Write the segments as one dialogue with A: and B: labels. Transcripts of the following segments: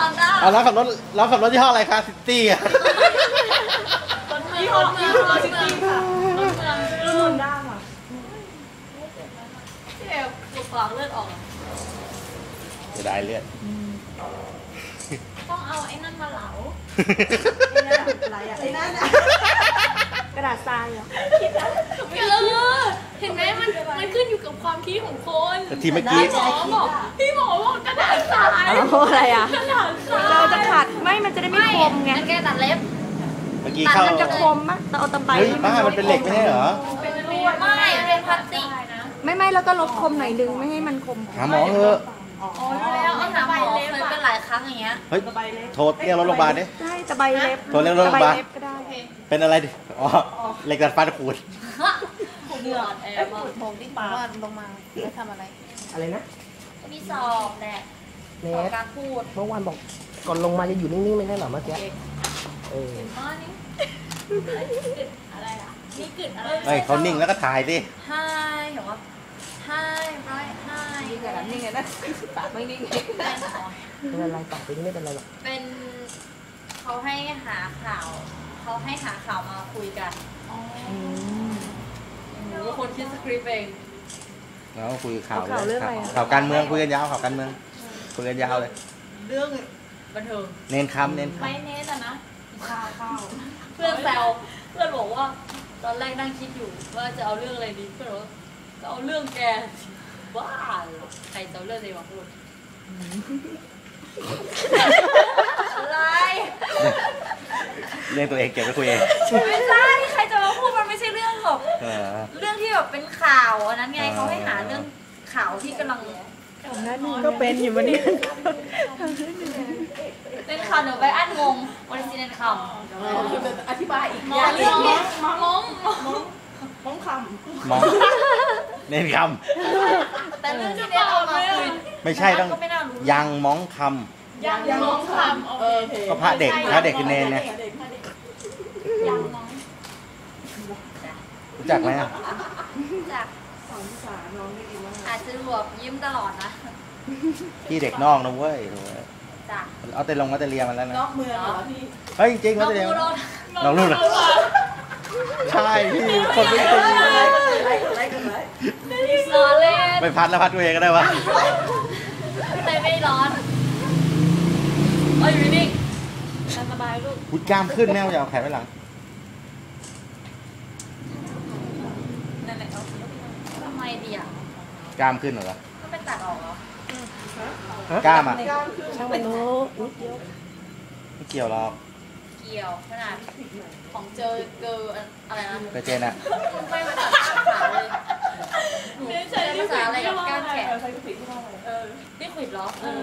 A: เอาแล้วขับรถยี่ห้ออะไรคะซิตี้อะ
B: ยี่ห้อเมืองรถซิตี้ค่ะรถเมืองรุ่นด้าค่ะที่แบบปวดปากเลือดออก
A: จะได้เลือด
B: ต้องเอาไอ้นั่นมาเหลา
C: อะไรอ่ะไอ้นั่นกระดาษทรายเหรอ
B: เห็นไหมมันขึ้นอยู่กับความคิดของคน
A: แต่ทีเมื่อกี้
B: พี่หมอบอกกระดาษทราย
C: อะไรอ่ะ
B: กระดาษทราย
C: เราจะขัดไม่มันจะได้ไม่คมไง
B: แกตัดเล็บ
A: เมื่อกี้เข้า
C: มันจะคมมั้ยแต่เอาตะไบ
A: บ้ามันเป็นเหล็กไม่ใช่เหรอ
B: เป็นลวดไม่เป็นพลาสติก
C: ไม่แล้วก็ลบคมหน่อยนึงไม่ให้มันคม
A: หาหมอเถอะ
B: อ๋อแล้วเอาหาหมอเคยเป็นหลายครั้งอย่างเงี้ย
A: เฮ้ยโทรเรียกรถโรงพยาบาลดิ
C: ใช่ตะไบเล็บ
A: โทรเรียกรถโรงพยาบาล
C: ก็ได้
A: เป็นอะไรดิอ๋อเหล็กดัดฟันขูด
B: เหงื่อแอบมาโผล่ที่ปากว่าลงมาแล้วทำอะไร
C: นะ
B: มีสอบแหละสอบการพูด
C: เมื่อวานบอกก่อนลงมาจะอยู่นิ่งๆไม่ใช่หรอเมื่อกี้
B: นี่อะไรอ่ะนี่กึดอะไร
A: เฮ้ยเขานิ่งแล้วก็ถ่ายดิ
B: ไฮเห็นว่าไฮไรไฮ
C: นิ่งกันนิ่งไงนะปากไม่นิ่งเป็นอะไรปากเป็นไม่เป็นไรหรอก
B: เป็นเขาให้หาข่าวมาคุยกันหนูคนคิดสคริปต์เอง
A: แล้วคุยข่าวข่าวการเมืองคุยกันยาวข่าวการเมืองคุยกันยาวเลย
B: เรื่องบันเทิง
A: เน้นคำ
B: ไม่เน้นนะข้าวเพื่อนแซวเพื่อนบอกว่าตอนแรกนั่งคิดอยู่ว่าจะเอาเรื่องอะไรดีเพื่อนบอกจะเอาเรื่องแกบ้าใครจะเอาเรื่องอะไรมาพูดอะไร
A: เรื่องตัวเองเก็บไว้คุยเอง
B: ไม่ใช่ใครจะมาพูดมันไม่ใช่เรื่องหรอกเรื่องที่แบบเป็นข่าวอันนั้นไงเขาให้หาเรื่องข่าวที่กำลัง
C: ก็เป็นอยู่วันนี้
B: เป็นข่าวเดี๋ยวไปอั้นงงวันนี้เน้นค
C: ำอธิบายอีก
B: มอง
C: คำ
A: เน้นค
B: ำแต่เรื่องที่เน้นเอามาคุย
A: ไม่ใช่ต้องยังมองค
B: ำยังมองคำ
A: ก็พระเด็กคือเนนไง
B: ยังมอง
A: รู้จักไหม
B: รู้จักสอนภาษาน้องได้ดีมากอาจจะรวบยิ้มตลอดนะ
A: พี่เด็กนอกนะเว้ยเอาแต่ลงมาแต่เรียมันแล้วนะ
C: นอกเมืองเหรอพี่
A: เฮ้ยจริงๆแล้วแต่เรียนองรุ่นเหรอใช่พี่คนไม่ตี
B: ร้อนเลย
A: ไม่พัดแล้วพัดตัวเองก็ได้วะ
B: แต่ไม่ร้อนอยู่นิ่งสบายลูก
A: พุดกล้ามขึ้นแม่จะเอาแขนไว้หลัง
B: นั่นแหละทำไมดีอ่ะ
A: กล้ามขึ้นเหรอ
B: ก็ไปตัดออกเหร
A: อกล้ามอ่ะ
C: ช่างมันโน้
A: ไม่เกี่ยวหรอก
B: เกี่ยวขนาดของเจออะไรนะ
A: เจนอ่ะ
B: ไม่มาตัดขาเลยไม่ใช่ภาษาอะไรกับก้านแขนนี่ขวิดเหรอ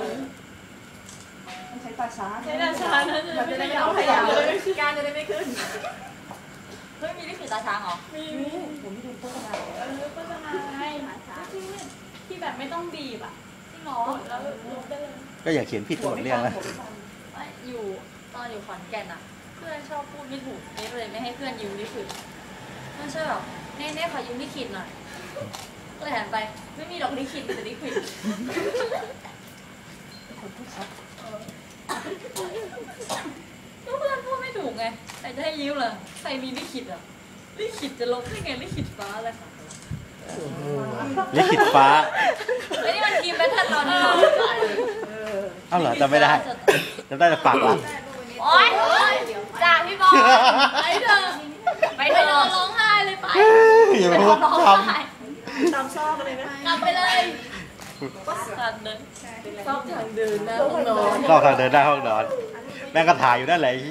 C: ใช้ตาช้า
B: มันจะได้ไม่ต้องพยายามการจะได้ไม่ขึ้นเฮ้ยมีนี่คือตาช้างเหรอมี
C: ผมดูโฆษณา
B: โฆษณาให้ที่แบบไม่ต้องบีบอ่ะจริงเหรอแล้วลบได้เลย
A: ก็อย่าเขียนผิดตัวเรื่องนะ
B: อยู่ตอนอยู่ขอนแก่นอ่ะเพื่อนชอบพูดไม่ถูกนี่เลยไม่ให้เพื่อนยืมนี่คือเพื่อนชอบแบบเน่ขอยืมนี่ขีดหน่อยก็เลยหันไปไม่มีดอกนี่ขีดแต่นี่ขีดก็เพื่อนพูดไม่ถูกไงใครจะให้ยืมเหรอใครมีลิขิตอ่ะลิขิตจะลบได้ไงลิขิตฟ้าอะไรค่ะ
A: ลิขิตฟ้า
B: ไอ้นี่มันทีมแบทเทิลตอนนี้
A: เอ้าเหรอจำไม่ได้แต่ปากละ
B: โอ๊ยจ่าพี่บอลไปเถอะร้องไห้เลยไป
A: อย่าพูด
C: ตามซอกเลยไหม
B: กลับไปเลยทางเดินซอกทางเดินหน้าห้องนอน
A: ซอกทางเดินหน้าห้องนอนแม่งก็ถ่ายอยู่นั่นแหละที่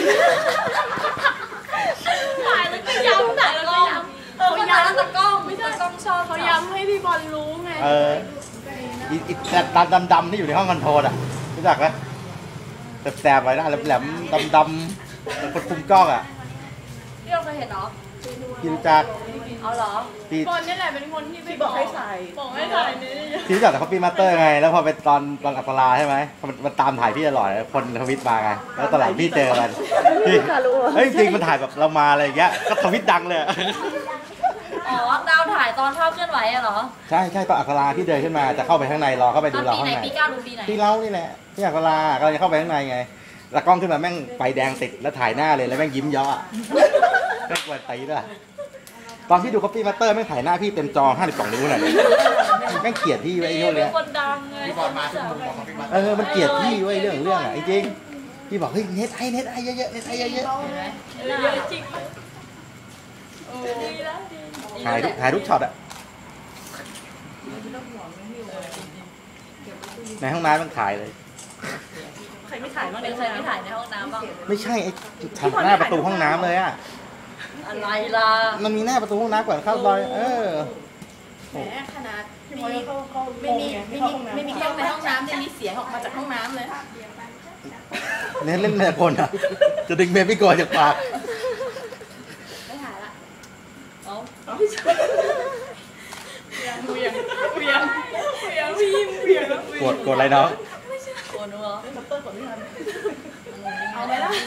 B: ถ่ายแล้วก็ย้ำถ่ายแล้วก็ย้ำเขาย้ำตะกล้องไม่ใช่ตะกล้องชอบเขาย้ำให้พี่บอลรู้ไง
A: อีตาดำๆที่อยู่ในห้องคอนโทรลอ่ะรู้จักไหมแสบๆไว้นะแหลมๆดำๆคนคุมกล้องอ่ะ
B: พี่เราเคยเห็นเหรอ
A: พี่รู้จัก
B: เอาเหรอคนนี่แหละเป็นคนที่
C: บอกให้ใส่
B: นี่
A: พี่รู้จักแต่เขาปีมาสเตอร์ไงแล้วพอไปตอนอัปราใช่ไหมมันตามถ่ายพี่ตลอดคนทวิตมาไงแล้วตอนหลังพี่เจอมันพี่เฮ้ยจริงมันถ่ายแบบเรามาอะไรอย่างเงี้ยก็ทวิตดังเลย
B: อ๋อดาวถ่ายตอนภาพเคลื่อนไหวอะเหรอ
A: ใช่ตอนอัคราที่เดินขึ้นมาจะเข้าไปข้างในรอเข้าไป
B: ต
A: ดู
B: อน
A: เรา
B: ปี
A: ข้าง
B: ไหน
A: ใน
B: ปี9หรือปีไหน
A: ที่เรานี่แหละที่อัครากำลังจะเข้าไปข้างในไงแล้วกล้องขึ้นมาแม่งไฟแดงติดแล้วถ่ายหน้าเลยแล้วแม่งยิ้มเยาะแม่งกวนตีด้วยตอนที่ดู Copy Master แม่งถ่ายหน้าพี่เต็มจอ52 นิ้วหน่อยแม่งเกลียดพี่ไว้ไอ้
B: พี่
A: โน่น
B: เป็
A: เล
B: น
A: ย
B: คนดังไง
D: พี่บอลมาที่ผมบอกพี่บอล
A: มันเกลียดพี่ไว้เรื่องอ่ะไอ้จริงพี่บอกเฮ้ยเน็ตไอเยอะๆเน็ตไอเยอะ
B: เยอะจริงดีแล้วดี
A: ๆถ่ายทุกช็อตอะในห้องน้ำมันถ่ายเลย
C: ใครไม่ถ่ายบ้าง
B: เป็นใครไม่ถ่ายในห้องน้ำบ้าง
A: ไม่ใช่ไอ้ทางหน้าประตูห้องน้ำเลยอะ
B: อะไรล่ะ
A: มันมีหน้าประตูห้องน้ำก่อนเข้าซอย
C: แหมขนาดพี่บอยเขาไม่มีกล้องในห้องน้ำจะมีเสียงออกมาจากห้องน้ำเลย
A: เน้นเล่นแต่คนอะจะดึงเบบี้กอจากปาก
B: ไม่ถ่ายละเอ้า
A: กดอะไรเนาะ
B: โกนหัว
C: เอาไหมล่ะ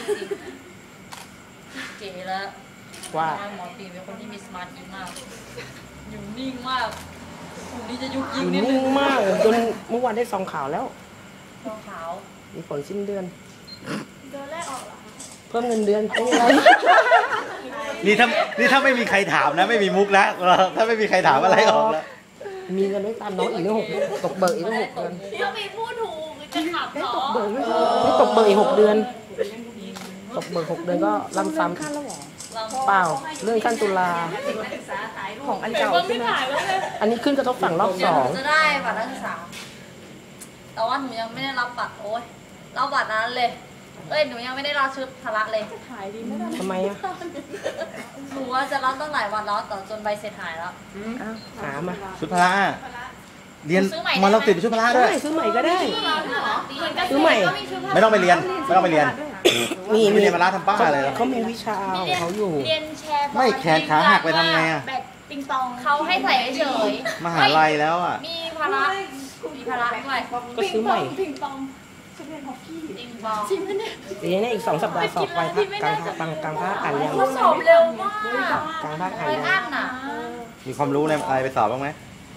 B: เก๋แล้ว
E: ว่า
B: หมอตีเป็นคนที่มีสมาธิมากอยู่นิ่งมากคนนี้จะยุกยิกนิดนึ
E: นิ่
B: ง
E: งมากจนเมื่อวานได้ซองข่าวแล้ว
B: รองขาว
E: มีผลสิ้นเดือน
C: เดินแรกออกเหรอ
E: เพิ่มเงินเดือนไม่เป็นไร
A: นี่ถ้าไม่มีใครถามนะไม่มีมุกนะถ้าไม่มีใครถามอะไรออกแล้ว
E: มีเงินไม่ตามน้องอีกตั้ง6 เดือนตกเบิกอีกตั้ง6 เดือน
B: พี่ต้องมีพูดถูกจะขับเหรอ
E: เบิกไม่ตกเบิกอีก6 เดือน ตกเบิก6 เดือนก็ลำซ้ำเปล่าเรื่องขั้นตุลา
C: ของอันเก่าใช่ไหม
E: อันนี้ขึ้นกระทบฝั่งรอบ
B: เดี๋ยวหนูจะได้บัตรนักศึกษาแต่ว่าหนูยังไม่ได้รับบัตรโอ๊ยรับบัตรนั้นเลยหนูยังไม่ได้รับชุดพละเลย
C: ถ่ายดีไม่ได้
E: 2ทำไมอ่ะ
B: หนูว่าจะรับตั้งหลายวันแล้วแต่จนใบเสร็จหายแล้ว
E: อ้าวหามา
A: ชุดพละเรียนมาเราติดชุดพละด้
E: ได้
A: วย
E: ซื้อใหม่ก็ได้ ซื้อใหม่
A: ไม่ต้องไปเรียน
E: มี
A: ไม่เรียนมาละทำป้าอะไร
E: เขามีวิชาของเขาอยู่
B: เรียนแชร์บอล
A: ไม่แขนขาหักไปทำไงอะ
B: แบดปิงปองเขาให้ใส่เฉย
A: มหาลัยแล้วอ่ะ
B: มีพละมีพละด้วย
E: ก็ซื้อใหม่
C: พิงปองจะเป็นฮอกกี้
B: ปิงปอง
C: จริงไหมเนี่ย
E: เดี๋ยวนี้อีก2 สัปดาห์สอบไปภาคกลางภาคอ่านยัง
B: เขาสอบเร็วมาก
E: กลางภาคอ่าน
B: ไป
E: ยัง
B: อ่านน่ะ
A: มีความรู้ในอะไรไปสอบบ้างไหม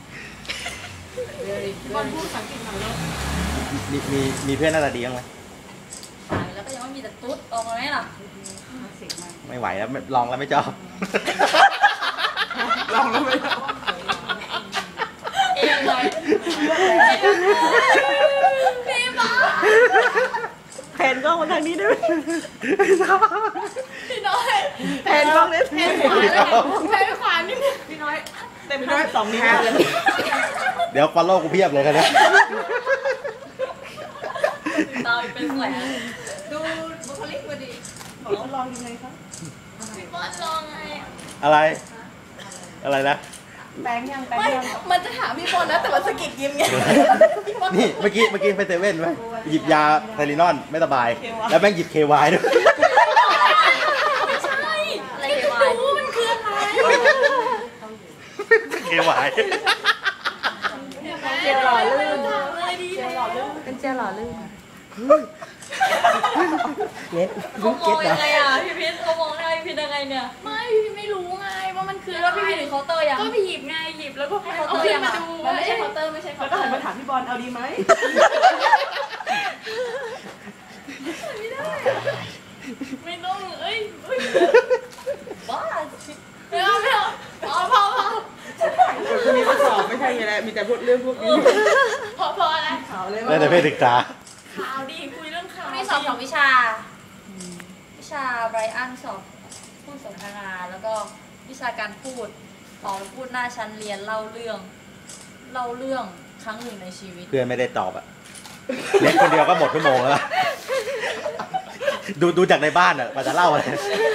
C: บอลพูดภาษาอังกฤษหน่อยแล้ว
A: มีเพื่อนหน้าตาดีบ้างไหม
B: หายแล้วก็ยังไม่มีแต่ตุ๊ดออกมาไหมล่ะ
A: ไม่ไหวแล้วลองแล้วไม่ชอบ
E: ลองแล้วไหม
B: เองเลยพี่บ้า
E: แผนกล้องมาทางนี้ได้ไหม
B: พี่น้อย
E: แผนกล้องเนี่ย
B: แพนขวาเลยแพนขวานิดนึง
C: พี่น้อยเต็มด้วย2 นิ้วเลย
A: เดี๋ยวฟอลโล่กูเพียบเลยกันเนี่ย
B: ตาเป็นแผล
C: ดูบุคลิกมาดิบอกลองยังไงคะ
B: พี่บอลลองไง
A: อะไรนะ
C: แปลงยังแปลง
B: ไม่
C: ยัง
B: มันจะถามพี่บอลนะแต่มันสะกิดยิ้มไง
A: นี่เมื่อกี้ไปเซเว่นไหมหยิบยาไทลินอนไม่สบาย แล้วแม่งหยิบ KY ด้วย
B: ไม่ใช่อะไรไม่รู้มันคืออะไร
A: KY
C: เจลหล่อลื่น
B: เลยดีเลย
C: เป็นเจลหล่อลื่น
E: เน็ต
B: เขาม
E: เก็
B: อ
E: ต
B: ง
E: เหร
B: ยั
E: อง
B: ไงอ่ะพี่พิษเขามองได้พี่พิษยังไงเนี่ยไม่พี่ไม่รู้ไงว่ามันคือแล้วพี่พิษถึงเคาน์เตอร์ยังก็ไปหยิบไงหยิบแล้วก็เอาขึ้นมาดู
C: มันไม่ใช่เคาน์เตอร์ไม่ใช่เคาน์เตอร์แล้วก็หันมาถามพี่บอลเอาดีไหม
B: ไม่ต้องบ้าไม่เอาพอ
E: คนนี้มาสอบไม่ใช่ไงแหละมีแต่พูดเรื่องพวกนี้
B: พออะไร
C: ข่าวเลย
A: ได้แต่เพศศึกษา
B: ข่าวดีคุยเรื่องข่าวมีสอบ2 วิชาไบรอันสอบพูดสนทนาแล้วก็วิชาการพูดออกพูดหน้าชั้นเรียนเล่าเรื่องครั้งหนึ่งในชีวิต
A: เพื่อนไม่ได้ตอบอ่ะเล็กคนเดียวก็หมดชั่วโมงแล้วดูจากในบ้านอ่ะมาจะเล่าอะไร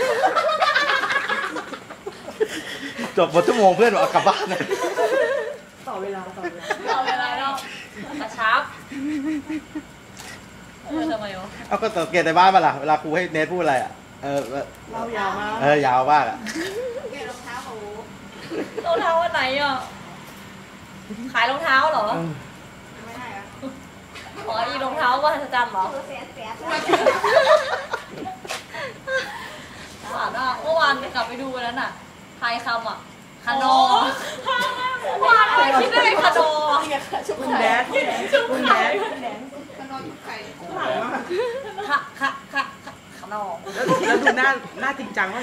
A: จบหมดชั่วโมงเพื่อนบอกกลับบ้านเลย
C: ต่อเวลา
B: เอาเวลาเรากระชับทำไมวะ
A: เอาก็สังเกตในบ้านมาล่ะเวลาครูให้เนทพูดอะไรอ่ะ
C: เรายาวมาก
A: ยาวมากอ่ะ
B: รองเท้าอันไหนอ่ะขายรองเท้าเหรอ
C: ไม่ได้อะ
B: อ๋ออีรองเท้าว่าจะจำเหรอสาดอ่ะเมื่อวานกลับไปดูวันนั้นอ่ะทายคำอ่ะคาโนว่าอะไรคิดได้ไงคาโน
C: ชุบ
E: คุณ
C: ไข่
E: แดด
C: ชุบ
E: คุณ
C: ไข่
E: แดด
B: คาโน
E: แล้วดูหน้าจริงจังว่า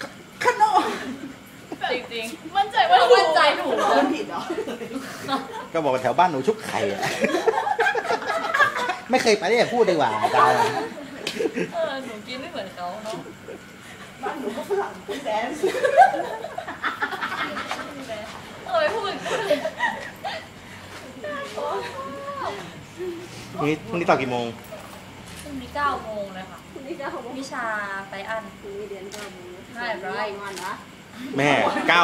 B: จริง
C: มั่นใจว่า
B: มั่นใจถูก
C: มันผิดเหรอ
A: ก็บอกว่าแถวบ้านหนูชุบไข่อะไม่เคยไปเนี่ยพูดดีกว่าอาจารย์
B: หนูกินไม่เหมือนเขาเนาะ
C: บ้านหนูก็ฝรั่งคุณแดนซ์
B: ไม่พูด
A: พรุ่งนี้ต่อกี่โมง
B: พรุ่งนี้9 โมงเลยค่ะวิชาไตอันใช่ไร
A: แม่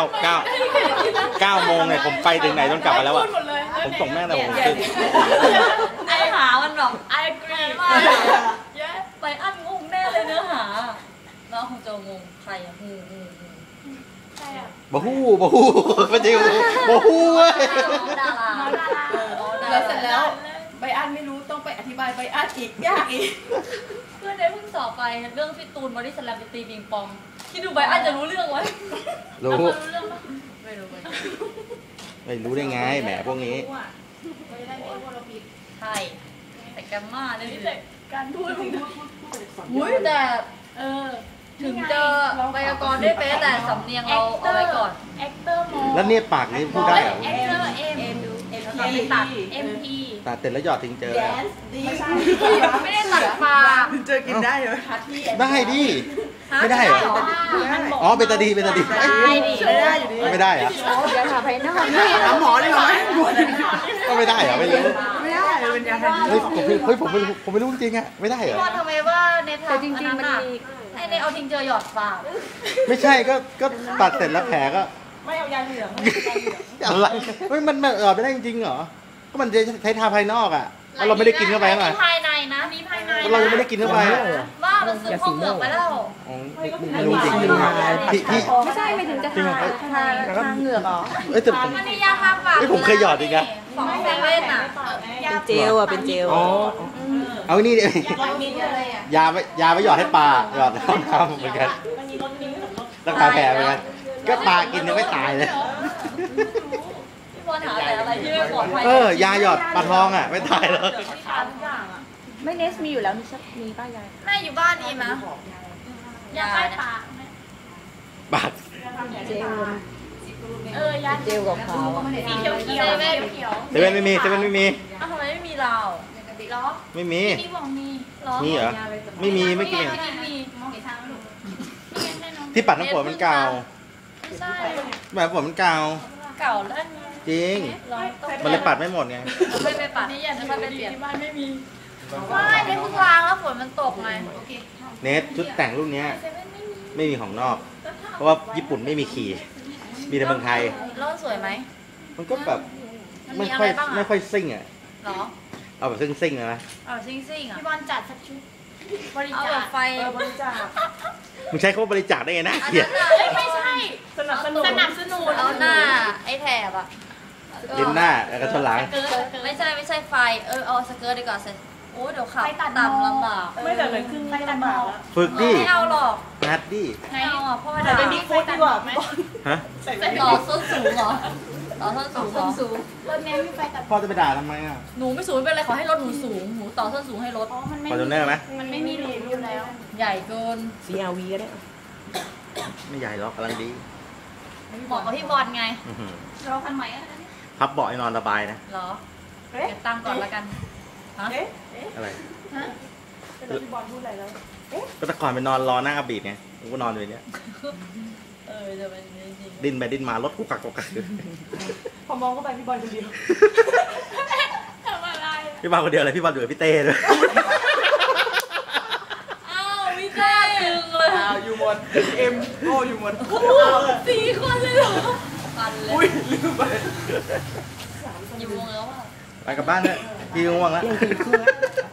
A: 9 โมงเนี่ยผมไปถึงไหนจนกลับมาแล้วอ่ะผมส่งแม่แต่ผมขึ้น
B: ไอหามันแบบไอ agree มากไตอันงงแน่เลยเนื้อหาน้องคงจะงงใครอะใครอะ
A: บ่ฮู้ไม่จริงบ่ฮู้เว้ย
B: ดารา
C: แล้วเสร็จแล้วใบอันไม่รู้ต้องไปอธิบายใบอันอีกยากอีก
B: เพื่อนได้เพิ่งสอบไปเรื่องพี่ตูนบอดี้สแลมไปตีปิงปองคิดดูใบอันจะรู้เรื่องไหม
A: รู้
B: เรื่องปะไม่รู้
A: ไม่รู้ได้ไงแหมพวกนี้
C: ไม่ได้ไม่ว่าเราผิด
B: ใช่แต่แกมมาเนี่ย
C: แต่การพูดของ
B: อุ้ยแต่ถึงจะไวยากรณ์ได้เป๊ะแต่สำเนียงเราเอาไว้ก่อน
C: แอคเตอร์มอ
A: แล้วเนี่ยปากนี้พูดได้เหรอ
B: เอ็มตัด MP
A: ตัดเสร็จแล้วหยอดทิ้งเจอ
C: แดนซ์ดี
B: ไม่ได้ตัดปาก
E: เจอกินได้เหรอ
A: ได้ดิไม่ได้เหรออ๋อเบตาดีเอ้ย
B: ได้ดิ
E: ไม่ได้อยู่ดี
A: ไม่ได้เหรอ
E: อย่าถามภายนอกถามหมอเลยเหรอ
A: ก็ไม่ได้เหรอไม่รู้
E: ไม่ได้เป็นยาแทน
A: เฮ้ยผมไม่รู้จริงๆอะไม่ได้เหรอ
B: ว่าทำไมว่าในทางจริงๆมันไอในเอาทิ้งเจอหยอดปาก
A: ไม่ใช่ก็ตัดเสร็จแล้วแผลก็
C: ไม่เอายาเหลือง
A: อะไรเฮ้ยมันหยอดไม่ได้จริงๆเหรอก็มันจะใช้ทาภายนอกอะแล้วเราไม่ได้กินเข้าไปมั้ย
B: ภายในนะมีภายใน
A: เรายังไม่ได้กินเข้าไปอะ
B: ว่ามันซึมเข้าเหงือกไปแล้ว
A: อ๋อไม่รู้จริงๆพี่
F: ไม่ใช่ไม่ถึงจะ
A: จริงเหรอ
F: ทาเหงือกเหรอ
A: เอ้ยแต่ผม
B: มันมียาทาปาก
A: เฮ้ยผมเคยหยอดอีกนะ
B: ของเซเว่นอ่ะ
E: เป็นเจลอ่ะเป็นเจล
A: อ๋อเอานี่ดิ
C: ร้อยมิลอะไรอ่ะ
A: ยาไปหยอดให้ปลาหยอดเข้าน้ำเหมือนกัน
C: มันมีรถมิ้นท์กับรถ
A: รักษาแผลเหมือนกันก็ปลากินยังไม่ตายเลย
B: พี่บอลหาแต่อะไรที่ไม่ปลอดภัย
A: ยาหยอดปลาทองอ่ะไม่ตายหรอก
B: ที่ทานทุกอย่างอ่ะ
F: ไม่เนสมีอยู่แล้วมีป้ายาย
B: แม่อยู่บ้านนี้มั้ยยาใต้ปาก
A: ปาก
F: เจล
C: ยา
F: เจลกับขาวอะ
C: สีเขียวเขียว
B: เซเว่น
A: เซเว่นไม่มี
B: อ้าวทำไมไม่มีเราล้อ
A: ไม่มี
B: มีบอกมีล้อ
A: มีเหรอไม่มีไม่กิน
B: มี
C: มองเห็นทางแล้วหนู
A: ที่ปัดน้ำฝนมันเก่า
B: ไม่ใช่
A: แบบฝนมันเก่า
B: เก่าแล้ว
A: จริง
B: ล้อต้อง
A: มันเลยปัดไม่หมดไง
B: ไม่ไปปัดนี่อย่าจะไปเปลี่ยนที่บ้านไม่มีไม่ได้เพิ่งล้างแล้วฝนมันตกไง
A: เนทชุดแต่งรุ่นเนี้ยไม่มีของนอก เพราะว่าญี่ปุ่นไม่มีขี่มีแต่เมืองไทย
B: แล้วสวยไหม
A: มันก็แบบ
B: มัน
A: ไม่
B: มีอะ
A: ค่
B: ไร
A: อย
B: บ้าง
A: ไม่
B: อ่ะ
A: ค่อยซิ่งอ่ะ
B: หรอ
A: เอาแบบซิ่งๆนะ
B: เอาซิ่งๆอ่ะ
C: พี่บอลจัดสักชุดบริ
B: เอา
C: จา
B: แบ
C: ค
B: บไฟ
C: บริจาค
A: มึงใช้คำว่าบริจาคได้ไงนะ
B: อัน
A: เกลีย
B: นั้
A: ด
B: นอ่ะไม่ใช่
C: สนับสนุน
B: เอาหน้าไอ้แถบอ่ะ
A: ลิ้นหน้าแล้วก็ชนหลัง
B: ไม่ใช่ไฟเอาสเกิร์ตดีกว่าเสร็จโอ้เดี๋ยวขับต่ำลำบาก
C: ไม่แต่เหมือนครึ่งไม่ลำบากแล้ว
A: ฝึกดิ
B: ไม่เอาหรอก
A: นัดดิ
B: ไม่เอาอ่ะพ่อ
C: แต่
B: ด่า
C: เป็นบิ๊กฟุตดีกว่าพี่บอล
A: ฮะ
B: ต่อส้นสูงเหรอต่อส้นสูงเหรอ
C: รถแม่มีไฟตัด
A: พ่อจะไปด่าทำไมอ่ะ
B: หนูไม่สูงไม่เป็นไรขอให้รถหนูสูงหนูต่อส้นสูงให้รถ
C: มันไม่
A: ฟอร์จูเนอร์ไหม
C: มันไม่มีรูอยู่แล้ว
B: ใหญ่เกิน
E: CRV ก็ได้
A: ไม่ใหญ่หรอกกำลังดี
B: เหมาะกับพี่บอลไง
A: อื้อหือ
C: เราคันใหม่
A: พับเบาะให้นอนสบายนะ
B: เหรอเก็บตังค์ก่อนแล้วกันฮะ
A: อะไร
C: แต่พี่บอลพูดอะไรแล้ว
A: ก็แต่ก่อนไปนอนรอหน้าอาบีดไงกูก็นอนอยู่ในเนี้ย
B: จะเป็นจริง
A: ดิ้นไปดิ้นมารถกุกกักกุกกัก
C: พอมองเข้าไปพี่บอลคนเดียวทำอะไร
A: พี่บอลคนเดียวเลยพี่บอลอยู่กับพี่เต้ด้วย
B: อ้าวไม่ได้ดึงเลย
E: อยู่หมดเอ็มโออยู่หมด
B: 4 คนเลยเหรอปันเลย
E: อุ้ยลืมไป
B: อยู่วงแล้วอ่ะ
A: ไปกลับบ้านเถอะพี่ง่วงแล้ว
E: เที่ยงคืนครึ่งแล้ว